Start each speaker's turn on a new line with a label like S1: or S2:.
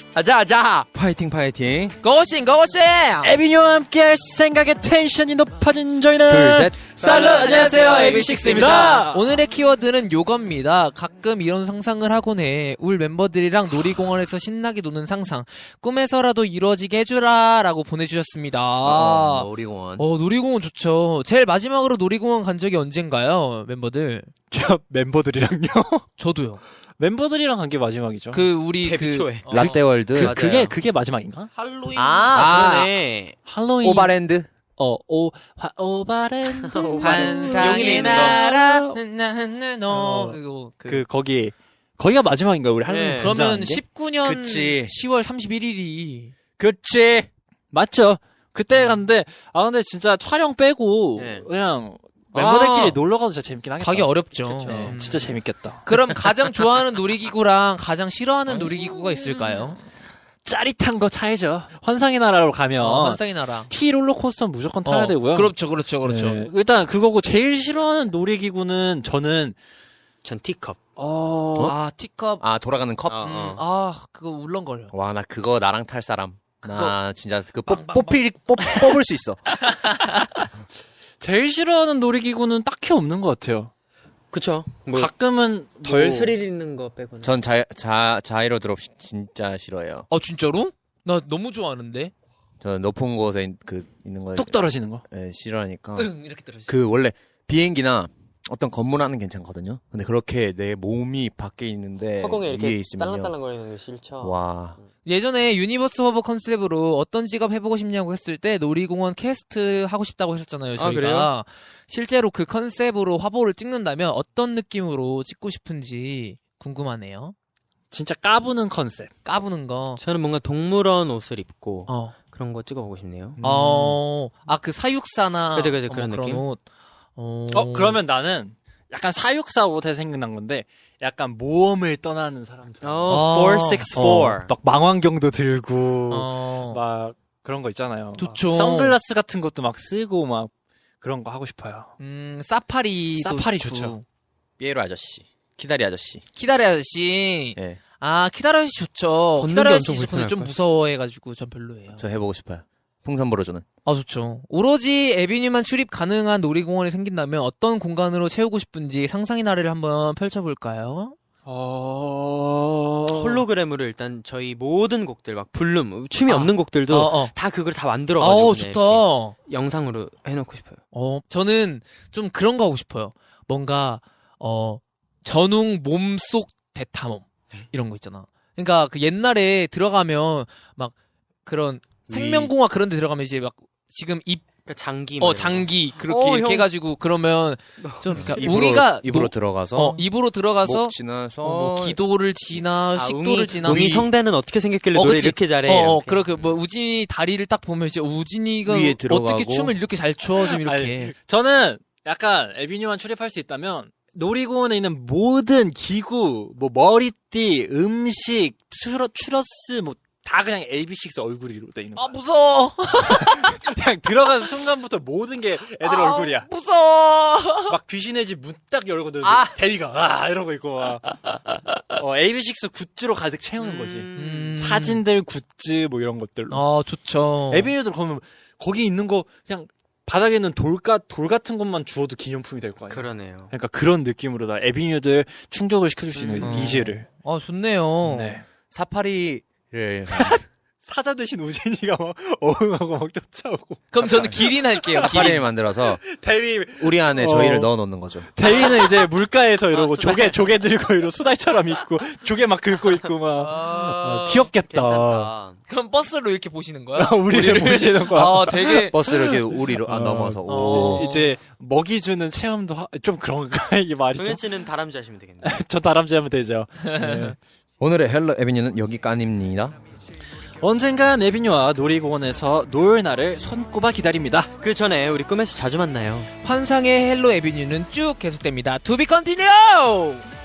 S1: 아자.
S2: 파이팅 파이팅.
S3: 고고싱
S4: 에비뉴와 함께할 생각에 텐션이 높아진 저희는
S2: 둘, 셋.
S3: 살루 안녕하세요
S4: AB6IX입니다.
S3: 오늘의 키워드는 요겁니다. 가끔 이런 상상을 하곤 해. 울 멤버들이랑 놀이공원에서 신나게 노는 상상 꿈에서라도 이루어지게 해주라 라고 보내주셨습니다.
S2: 놀이공원.
S3: 놀이공원 좋죠. 제일 마지막으로 놀이공원 간 적이 언젠가요 멤버들?
S4: 저 멤버들이랑요.
S3: 저도요.
S4: 멤버들이랑 간 게 마지막이죠.
S3: 우리
S1: 데뷔 초에.
S2: 라떼월드.
S4: 그게 마지막인가?
S3: 할로윈
S1: 그러네.
S4: 할로윈.
S2: 오바랜드.
S4: 오바랜드.
S3: 환상의
S1: 용인에 있는
S3: 나라
S4: 거기가 마지막인가요? 우리 할로윈.
S1: 네.
S3: 그러면
S4: 게?
S3: 19년
S2: 그치.
S3: 10월 31일이
S4: 그치. 맞죠. 그때 갔는데 근데 진짜 촬영 빼고
S1: 네.
S4: 그냥 멤버들끼리 놀러 가도 진짜 재밌긴 하겠다.
S3: 가기 어렵죠.
S1: 그쵸.
S4: 네, 진짜 재밌겠다.
S3: 그럼 가장 좋아하는 놀이기구랑 가장 싫어하는 놀이기구가 있을까요?
S4: 짜릿한 거 타야죠. 환상의 나라로 가면
S3: 환상의 나라.
S4: T 롤러코스터는 무조건 타야 되고요.
S3: 그렇죠.
S4: 네. 일단 그거고 제일 싫어하는 놀이기구는 저는
S1: 전 티컵.
S3: 티컵.
S2: 돌아가는 컵.
S3: 그거 울렁거려.
S2: 와, 나 그거 나랑 탈 사람. 나 진짜 그
S3: 빵빵빵.
S2: 뽑을 수 있어.
S4: 제일 싫어하는 놀이기구는 딱히 없는 것 같아요.
S1: 그쵸.
S4: 가끔은
S1: 덜 스릴 있는 거 빼고는.
S2: 전 자이로 드롭 진짜 싫어해요.
S3: 진짜로? 나 너무 좋아하는데.
S2: 저 높은 곳에 있는 거
S4: 뚝 떨어지는 거.
S2: 싫어하니까.
S3: 이렇게 들어지.
S2: 원래 비행기나 어떤 건물 안은 괜찮거든요. 근데 그렇게 내 몸이 밖에 있는데
S1: 허공에
S2: 위에
S1: 이렇게
S2: 있으면요.
S1: 딸랑딸랑거리는 게 싫죠.
S2: 와.
S3: 예전에 유니버스 화보 컨셉으로 어떤 직업 해보고 싶냐고 했을 때 놀이공원 캐스트 하고 싶다고 했었잖아요. 저희가.
S1: 그래요?
S3: 실제로 그 컨셉으로 화보를 찍는다면 어떤 느낌으로 찍고 싶은지 궁금하네요.
S4: 진짜 까부는 컨셉.
S3: 까부는 거.
S1: 저는 뭔가 동물원 옷을 입고
S3: 어.
S1: 그런 거 찍어보고 싶네요.
S3: 그 사육사나.
S1: 그죠, 그런
S3: 그런
S1: 느낌?
S3: 옷.
S4: 그러면 나는 약간 사육사 옷에 생각난 건데 약간 모험을 떠나는 사람처럼.
S1: 464.
S4: 막 망원경도 들고
S3: 어.
S4: 막 그런 거 있잖아요.
S3: 좋죠.
S4: 막 선글라스 같은 것도 막 쓰고 막 그런 거 하고 싶어요.
S3: 사파리
S4: 좋죠.
S2: 삐에로 아저씨. 키다리 아저씨.
S3: 키다리 아저씨.
S2: 예.
S3: 키다리 아저씨 좋죠.
S1: 걷는
S3: 키다리
S1: 게
S3: 아저씨
S1: 엄청
S3: 근데 좀
S1: 불편할걸?
S3: 무서워해가지고 전 별로예요.
S2: 저 해보고 싶어요. 풍선 불어주는.
S3: 좋죠. 오로지 에비뉴만 출입 가능한 놀이공원이 생긴다면 어떤 공간으로 채우고 싶은지 상상의 나래를 한번 펼쳐볼까요?
S1: 홀로그램으로 일단 저희 모든 곡들 막 불룸 춤이 없는 곡들도 다 그걸 다 만들어가지고 그냥
S3: 좋다.
S1: 이렇게 영상으로 해놓고 싶어요.
S3: 저는 좀 그런 거 하고 싶어요. 뭔가 전웅 몸속 대탐험 이런 거 있잖아. 그러니까 그 옛날에 들어가면 막 그런 생명공화 그런 데 들어가면 이제 막 지금
S1: 장기
S3: 장기 그렇게 이렇게
S1: 형.
S3: 해가지고 그러면 좀 그러니까 웅이가
S2: 입으로 들어가서.
S3: 입으로 들어가서
S2: 목 지나서.
S3: 기도를 지나 식도를 지나
S1: 웅이 성대는 어떻게 생겼길래 노래
S3: 그치.
S1: 이렇게 잘해.
S3: 그렇게 우진이 다리를 딱 보면 이제 우진이가
S2: 위에 들어가고.
S3: 어떻게 춤을 이렇게 잘 춰 좀 이렇게.
S4: 저는 약간 에비뉴만 출입할 수 있다면 놀이공원에 있는 모든 기구, 뭐 머리띠, 음식, 추러스 다 그냥 AB6 얼굴이로 돼 있는 거야.
S3: 무서워.
S4: 그냥 들어가는 순간부터 모든 게 애들 얼굴이야.
S3: 무서워.
S4: 막 귀신의 집 문 딱 열고 들어도 대리가 이러고 있고 막. AB6 굿즈로 가득 채우는 거지. 사진들, 굿즈 뭐 이런 것들로.
S3: 좋죠.
S4: 에비뉴들 그러면 거기 있는 거 그냥 바닥에 있는 돌 같은 것만 주워도 기념품이 될 거 아니야.
S1: 그러네요.
S4: 그러니까 그런 느낌으로 다 에비뉴들 충족을 시켜줄 수 있는 니즈를.
S3: 좋네요.
S4: 네.
S2: 사파리를.
S4: 사자 대신 우진이가 막 어흥하고 막 쫓아오고.
S3: 그럼 저는 기린 할게요.
S2: 사파리를 만들어서
S4: 대위
S2: 우리 안에 저희를 넣어 놓는 거죠.
S4: 대위는 이제 물가에서 이러고 조개 들고 이러고 수달처럼 있고 조개 막 긁고 있고 막 귀엽겠다.
S1: 괜찮다.
S3: 그럼 버스로 이렇게 보시는 거야?
S4: 우리를 보시는 거야.
S3: 되게
S2: 버스를 이렇게 우리로 넘어서. 오.
S4: 이제 먹이 주는 체험도 좀 그런가 이게 말이 좀.
S1: 동현 씨는 다람쥐 하시면 되겠네요.
S4: 저 다람쥐 하면 되죠. 네.
S2: 오늘의 헬로 에비뉴는 여기까지입니다.
S4: 언젠간 에비뉴와 놀이공원에서 놀 날을 손꼽아 기다립니다.
S1: 그 전에 우리 꿈에서 자주 만나요.
S3: 환상의 헬로 에비뉴는 쭉 계속됩니다. To be continued!